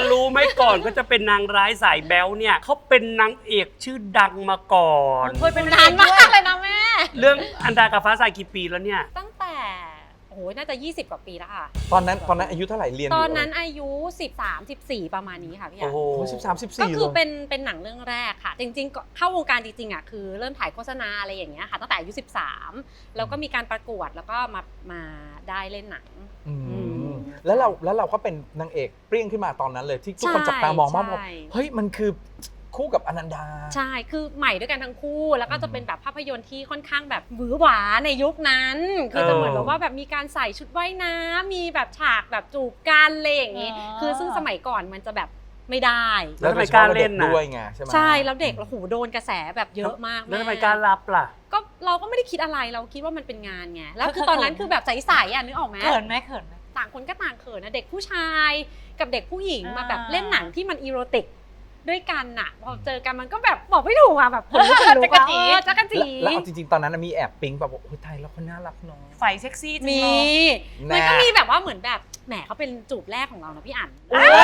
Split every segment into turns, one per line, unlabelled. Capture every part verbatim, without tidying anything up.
รู้ไหมก่อนก็จะเป็นนางร้ายสายแบ๊วเนี่ยเขาเป็นนางเอกชื่อดังมาก่อน
เคยเป็นนานมากเลยนะแม่
เรื่องอันดากับฟ้าใสกี่ปีแล้วเนี่ย
ตั้งแต่โอ้โหน่าจะยี่สิบกว่าปีแล้วค่ะ
ตอนนั้นตอนนั้นอายุเท่าไหร่เรียน
ตอนนั้นอายุสิบสาม สิบสี่ประมาณนี้ค่ะพี่
โอ้
อ่ะ
โห
สิบสามสิบ
ก็
สี่
คือเป็นเป็นหนังเรื่องแรกค่ะจริงๆก็เข้าวงการจริงๆอ่ะคือเริ่มถ่ายโฆษณาอะไรอย่างเงี้ยค่ะตั้งแต่อายุสิบสามแล้วก็มีการประกวดแล้วก็มามาได้เล่นหนัง
แล้วเราแล้วเราก็เป็นนางเอกเปรี้ยงขึ้นมาตอนนั้นเลยที่ทุกคนจับตามองมากบอกเฮ้ยมันคือคู่กับอนันดา
ใช่คือใหม่ด้วยกันทั้งคู่แล้วก็จะเป็นแบบภาพยนตร์ที่ค่อนข้างแบบหวือหวาในยุคนั้นคือจะเหมือนแบบว่าแบบมีการใส่ชุดว่ายน้ำมีแบบฉากแบบจูบกันอะไรอย่างงี้คือซึ่งสมัยก่อนมันจะแบบไม่ได้
แล้วทำไมกล้าเล่นนะ
ด้วยไงใช่ไหม
ใช่แล้วเด็กเราหูโดนกระแสแบบเยอะมาก
แล้วทำไมกล้ารับล่ะ
ก็เราก็ไม่ได้คิดอะไรเราคิดว่ามันเป็นงานไงแล้วคือตอนนั้นคือแบบใสๆอ่ะนึกออกไหม
เขินไหมเขินไหม
ต่างคนก็ต่างเขินนะเด็กผู้ชายกับเด็กผู้หญิงมาแบบเล่นหนังที่มันอีโรติกด้วยกันน่ะพอเจอกันมันก็แบบบอกไม่ถูกอ่ะแบบคนลุกจักรจีจักรจี
แล้วเอาจริงๆตอนนั้นมีแอบปิ๊งแบบโอ้ยไทยแล้วคนน่ารักเนาะ
ไฟเซ็กซี่จริง
มีมันก็มีแบบว่าเหมือนแบบแหมเขาเป็นจูบแรกของเรานะพี่อั๋น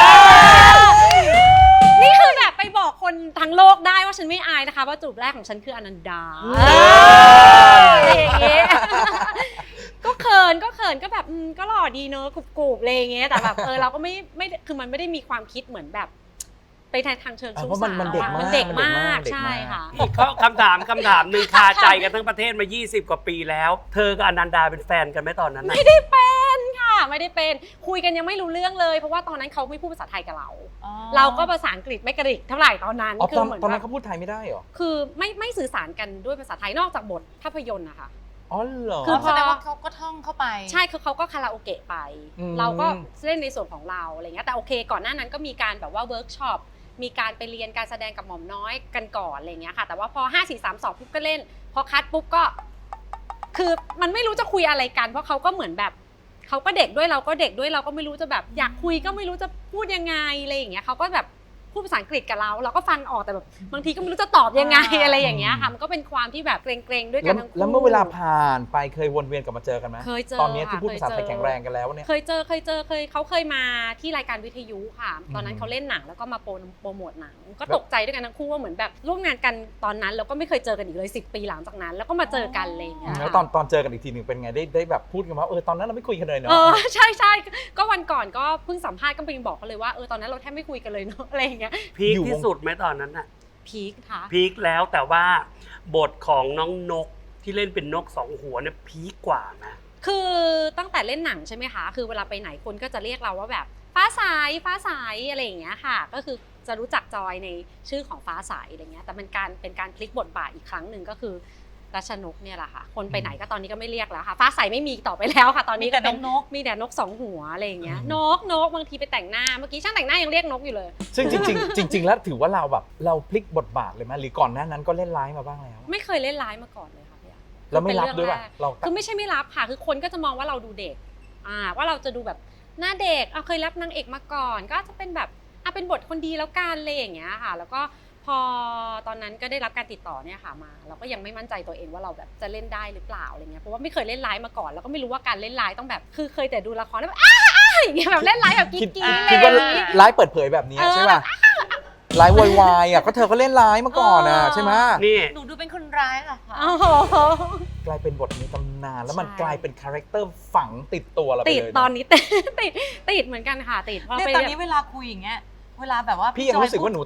นี่คือแบบไปบอกคนทั้งโลกได้ว่าฉันไม่อายนะคะว่าจูบแรกของฉันคืออนันดาอะไรอย่างเงี้ยก็เขินก็เขินก็แบบก็หล่อดีเนอะกรุบๆอะไรอย่างเงี้ยแต่แบบเออเราก็ไม่ไม่คือมันไม่ได้มีความคิดเหมือนแบบไปทางเชิงชู้สาวมันเด็กมากมันเด็กมากใช่ค่ะ
อีกข้อคำถามคำถามหนึ่งคาใจกันทั้งประเทศมายี่สิบกว่าปีแล้วเธอกับอนันดาเป็นแฟนกันไหมตอนนั้น
ไม่ได้เป็นค่ะไม่ได้เป็นคุยกันยังไม่รู้เรื่องเลยเพราะว่าตอนนั้นเขาไม่พูดภาษาไทยกับเราเราก็ภาษาอังกฤษไม่กระดิกเท่าไหร่ตอนนั้น
คือเหมือนตอนนั้นเขาพูดไทยไม่ได้หรอ
คือไม่ไม่สื่อสารกันด้วยภาษาไทยนอกจากบทภาพยนตร์นะคะ
อ๋อเหรอ
คือแสดงว่าเขาก็ท่องเข้าไป
ใช่คือเขาก็คาราโอเกะไปเราก็เล่นในส่วนของเราอะไรเงี้ยแต่โอเคก่อนหน้านั้นก็มีการแบบว่าเวิร์กช็อปมีการไปเรียนการแสดงกับหม่อมน้อยกันก่อนอะไรเงี้ยค่ะแต่ว่าพอห้า สี่ สาม สองปุ๊บก็เล่นพอคัดปุ๊บก็คือมันไม่รู้จะคุยอะไรกันเพราะเขาก็เหมือนแบบเขาก็เด็กด้วยเราก็เด็กด้วยเราก็ไม่รู้จะแบบอยากคุยก็ไม่รู้จะพูดยังไงอะไรอย่างเงี้ยเขาก็แบบพูดภาษาอังกฤษกับเราเราก็ฟังออกแต่แบบบางทีก็ไม่รู้จะตอบยังไงอะไรอย่างเงี้ยค่ะมันก็เป็นความที่แบบเกรงๆด้วยกันทั้งคู่
แล้วเมื่อเวลาผ่านไปเคยวนเวียนกลับมาเจอกันไหม
เคยเจอ
ตอนนี้ที่พูดภาษาไทยแข็งแรงกันแล้วเนี่ย
เคยเจอเคยเจอเคยเขาเคยมาที่รายการวิทยุค่ะตอนนั้นเขาเล่นหนังแล้วก็มาโปรโมทหนังก็ตกใจด้วยกันทั้งคู่ว่าเหมือนแบบร่วมงานกันตอนนั้นแล้วก็ไม่เคยเจอกันอีกเลยสิบปีหลังจากนั้นแล้วก็มาเจอกันอะไรอย่างเงี้ย
แล้วตอนตอนเจอกันอีกทีหนึ่งเป็นไงได้ได้แบบพูดกันว่าเออตอนนั้นเราไม่คุยกันเลยเนาะ
เออใช่ใช่ก็วันก่อนก็เพิ่งสัมภาษณ์ก็ไปบอกเขาเลยว่าเออตอนนั้นเราแทบไม่คุยกันเลยเนาะอะไรอย่างเงี้ย
พีคที่สุดไหมตอนนั้นน่ะ
พีคค่ะ
พีคแล้วแต่ว่าบทของน้องนกที่เล่นเป็นนกสองหัวเนี่ยพีคกว่านะ
คือตั้งแต่เล่นหนังใช่ไหมคะคือเวลาไปไหนคนก็จะเรียกเราว่าแบบฟ้าใสฟ้าใสอะไรอย่างเงี้ยค่ะก็คือจะรู้จักจอยในชื่อของฟ้าใสอะไรเงี้ยแต่เป็นการเป็นการพลิกบทบาทอีกครั้งหนึ่งก็คือรัชนกเนี่ยแหละค่ะคนไปไหนก็ตอนนี้ก็ไม่เรียกแล้วค่ะฟ้าใสไม่มีต่อไปแล้วค่ะตอนนี้ก็เป็นนกมีแต่นกสองหัวอะไรอย่างเงี้ยนกนกบางทีไปแต่งหน้าเมื่อกี้ช่างแต่งหน้ายังเรียกนกอยู่เลย
ซึ่งจริงๆจริงๆแล้วถือว่าเราแบบเราพลิกบทบาทเลยไหมหรือก่อนหน้านั้นก็เล่นร้ายมาบ้างแล้ว
ไม่เคยเล่นร้ายมาก่อนเลยค่ะพี่
แล้วไม่รับด้วยป่ะ
เราคือไม่ใช่ไม่รับค่ะคือคนก็จะมองว่าเราดูเด็กอ่าว่าเราจะดูแบบหน้าเด็กเอาเคยรับนางเอกมาก่อนก็จะเป็นแบบอ่ะเป็นบทคนดีแล้วกันอะไรอย่างเงี้ยค่ะแล้วก็พอตอนนั้นก็ได้รับการติดต่อเนี่ยค่ะมาเราก็ยังไม่มั่นใจตัวเองว่าเราแบบจะเล่นได้หรือเปล่าอะไรเงี้ยเพราะว่าไม่เคยเล่นร้ายมาก่อนแล้วก็ไม่รู้ว่าการเล่นร้ายต้องแบบคือเคยแต่ดูละครแล้วแบบอ้าอย่างเงี้ยแบบเล่นร้ายแบบกิ๊กกิ๊กเลย
คิดว่าร้ายเปิดเผยแบบนี้ใช่ป่ะร้ายวายวายอ่ะก็เธอก็เล่นร้ายมาก่อนอ่ะใช่ไหม
นี่
หนูดูเป็นคนร้ายเหรอคะ
กลายเป็นบทในตำนานแล้วมันกลายเป็นคาแรคเตอร์ฝังติดตัวเราไปเลย
ติดตอนนี้ติดติดติดเหมือนกันค่ะติดเพราะ
ตอนนี้เวลาคุยอย่างเงี้ยเวลาแบบว่า
พี่ยังรู้สึกว่าหนู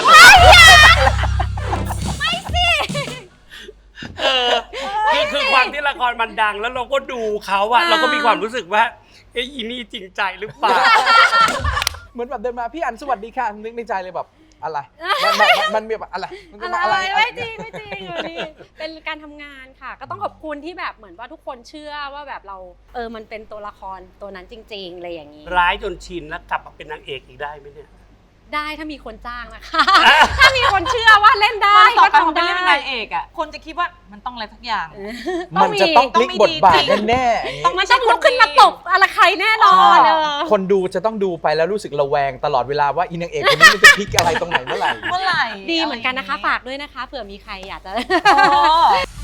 ไม่สิ
เออคือคือความที่ละครมันดังแล้วเราก็ดูเขาอะเราก็มีความรู้สึกว่าเอ้ยอีนี่จริงใจหรือเปล่า
เหมือนแบบเดินมาพี่อันสวัสดีค่ะนึกในใจเลยแบบอะไรมันมันมีแบบอะไรมันจะมาอะไร
ไม่จริงไม่จริงนี่เป็นการทำงานค่ะก็ต้องขอบคุณที่แบบเหมือนว่าทุกคนเชื่อว่าแบบเราเออมันเป็นตัวละครตัวนั้นจริงๆอะไรอย่างนี้
ร้ายจนชินแล้วกลับมาเป็นนางเอกอีกได้ไหมเนี่ย
ได้ถ้ามีคนจ้างนะคะถ้ามีคนเชื่อว่าเล่นได้
ก็ทำได้เป็นนางเอกอ่ะคนจะคิดว่ามันต้องอะไรทุกอย่าง
มันจะต้องพลิกบทบาทแน่
ๆมันต้องลุกขึ้นมาตบอะไรใครแน่นอน
คนดูจะต้องดูไปแล้วรู้สึกระแวงตลอดเวลาว่าอีนางเอกคนนี้มันจะพลิกอะไรตรงไหนเมื่อไหร่
เมื่อไหร่
ดีเหมือนกันนะคะฝากด้วยนะคะเผื่อมีใครอยากจะ